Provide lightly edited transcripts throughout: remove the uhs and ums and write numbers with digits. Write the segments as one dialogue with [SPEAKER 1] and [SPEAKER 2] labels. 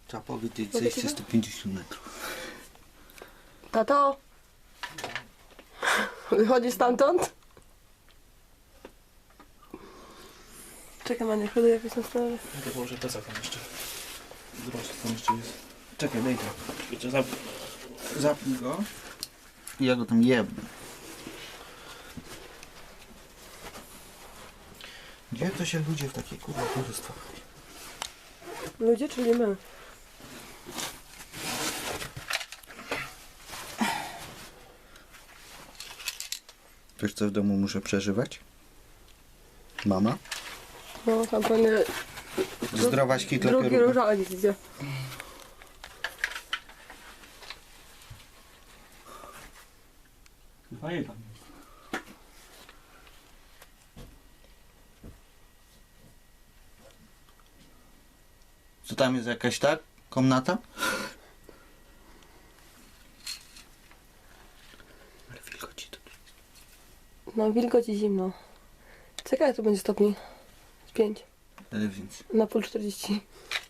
[SPEAKER 1] Trzeba powiedzieć, że jeszcze 150 metrów.
[SPEAKER 2] Tato? Wychodzi stamtąd? Czekaj, Maniek, chodzę jakoś na stronę.
[SPEAKER 3] Ja to położę plecak tam jeszcze. Zobacz, co tam jeszcze jest. Czekaj, daj to. Jeszcze
[SPEAKER 1] Zapnij go. I ja go tam jebnę. Gdzie to się ludzie w takie kurwa towarzystwa?
[SPEAKER 2] Ludzie, czyli my.
[SPEAKER 1] Wiesz co w domu muszę przeżywać? Mama?
[SPEAKER 2] No, tam pewnie
[SPEAKER 1] Zdrowaś kitla
[SPEAKER 2] drugi
[SPEAKER 1] kierunku.
[SPEAKER 2] różaniec idzie.
[SPEAKER 3] Fajnie tam.
[SPEAKER 1] Co tam jest jakaś tak? Komnata? Ale wilgoci to.
[SPEAKER 2] No, wilgoć i zimno. Czekaj, tu będzie stopni. 5.
[SPEAKER 1] Ale więc.
[SPEAKER 2] Na pół 40.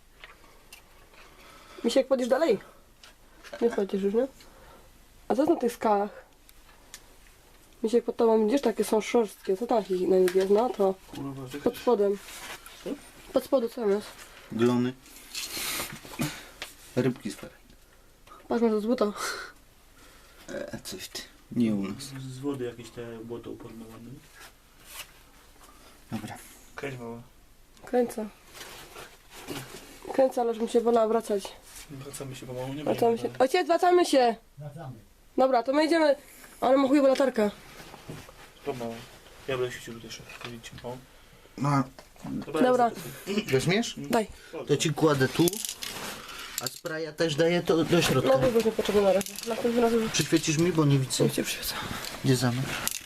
[SPEAKER 2] Misiek, chodzisz dalej? Nie chodzisz już, nie? A co jest na tych skałach? Misiek, pod tobą widzisz, takie są szorstkie. Co tam na nich jest? No to
[SPEAKER 3] Kurwa,
[SPEAKER 2] pod spodem.
[SPEAKER 3] Co?
[SPEAKER 2] Pod spodu co tam jest?
[SPEAKER 1] Glony. Rybki z feraj.
[SPEAKER 2] Patrz, masz to z buta.
[SPEAKER 1] Coś ty. Nie u nas.
[SPEAKER 3] z wody jakieś te błoto uporne ładne.
[SPEAKER 1] Dobra.
[SPEAKER 3] Kręć mała.
[SPEAKER 2] Kręcę. Kręcę, ale żebym się wolała wracać.
[SPEAKER 3] Wracamy się pomału, nie
[SPEAKER 2] Wracamy się. Ojciec, wracamy się! Dobra, to my idziemy. Ale ma chujową latarkę.
[SPEAKER 3] Pomału. Ja będę świecił tutaj jeszcze. Widzicie, o.
[SPEAKER 1] No,
[SPEAKER 2] Dobra.
[SPEAKER 1] weźmiesz?
[SPEAKER 2] Daj.
[SPEAKER 1] To ci kładę tu. A spraya też daję to do środka.
[SPEAKER 2] No, wygodnie potrzebny na razie. Następnym razem
[SPEAKER 1] Przyświecisz mi, bo nie widzę.
[SPEAKER 2] już cię przywiecę.
[SPEAKER 1] Gdzie zamek?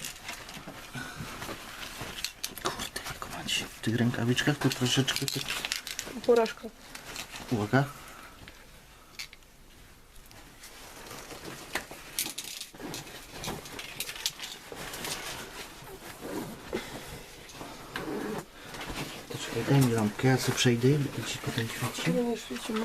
[SPEAKER 1] Kurde, jak mam się w tych rękawiczkach to troszeczkę tak...
[SPEAKER 2] Porażka.
[SPEAKER 1] Uwaga. To czekaj, daj mi lampkę, ja sobie przejdę i ci potem świeci.
[SPEAKER 2] Nie, nie świecimy.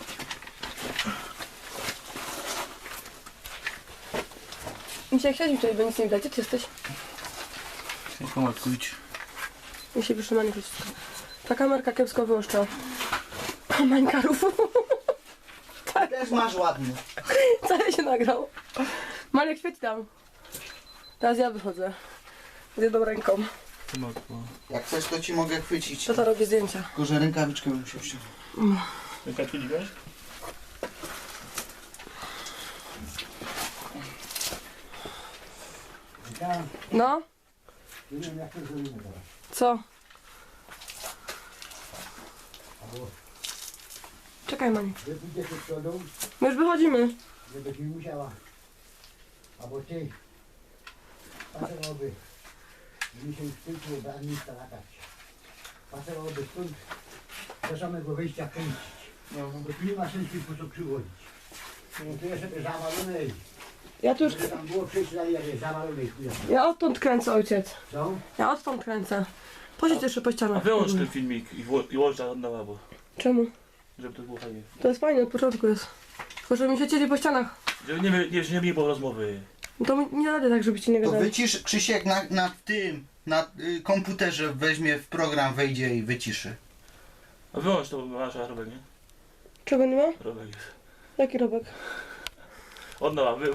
[SPEAKER 2] Misiek, siedź mi tutaj, bo nic nie widać. Gdzie ty jesteś?
[SPEAKER 3] Nie pomalkujcie.
[SPEAKER 2] Mi się wyszło na nie wszystko. Ta kamerka kiepsko wyłuszcza. Mańkarów.
[SPEAKER 1] Też masz ładny.
[SPEAKER 2] Cały się nagrał. Marek, świeć tam. Teraz ja wychodzę. Z jedną ręką.
[SPEAKER 3] Pomalku.
[SPEAKER 1] Jak chcesz, to ci mogę chwycić.
[SPEAKER 2] Tata robi zdjęcia.
[SPEAKER 1] Tylko, że rękawiczkę bym musiał ściągnąć.
[SPEAKER 3] Rękaczki nie wiesz?
[SPEAKER 2] No? Co? Czekaj, Mani.
[SPEAKER 4] Wy pójdziecie przodu,
[SPEAKER 2] My już wychodzimy.
[SPEAKER 4] żebyś mi musiała. Albo ty. Pasowałoby, żeby się już tylko branista latać. Pasowałoby stąd do samego wyjścia kręcić.
[SPEAKER 3] No.
[SPEAKER 4] Bo tu nie ma sensu po co przywozić. No to jest sobie zawalone.
[SPEAKER 2] Ja tu już...
[SPEAKER 4] Żeby tam było przejść dalej, jak jest zawalone i chuja.
[SPEAKER 2] Ja odtąd kręcę, ojciec.
[SPEAKER 4] Co?
[SPEAKER 2] Ja odtąd kręcę. Posiedź jeszcze po
[SPEAKER 3] A
[SPEAKER 2] ścianach.
[SPEAKER 3] wyłącz ten filmik i włącz na lewo,
[SPEAKER 2] Czemu?
[SPEAKER 3] żeby to było fajnie.
[SPEAKER 2] To jest fajne, od początku jest. Tylko żeby mi świecili po ścianach.
[SPEAKER 3] Żeby nie było rozmowy.
[SPEAKER 2] No to nie radę tak, żebyście nie
[SPEAKER 1] To
[SPEAKER 2] gadali.
[SPEAKER 1] wycisz, Krzysiek na tym, na komputerze weźmie w program, wejdzie i wyciszy.
[SPEAKER 3] A wyłącz to, bo masz robek, nie?
[SPEAKER 2] Czego nie ma?
[SPEAKER 3] Robek jest.
[SPEAKER 2] Jaki robek?
[SPEAKER 3] Od nowa,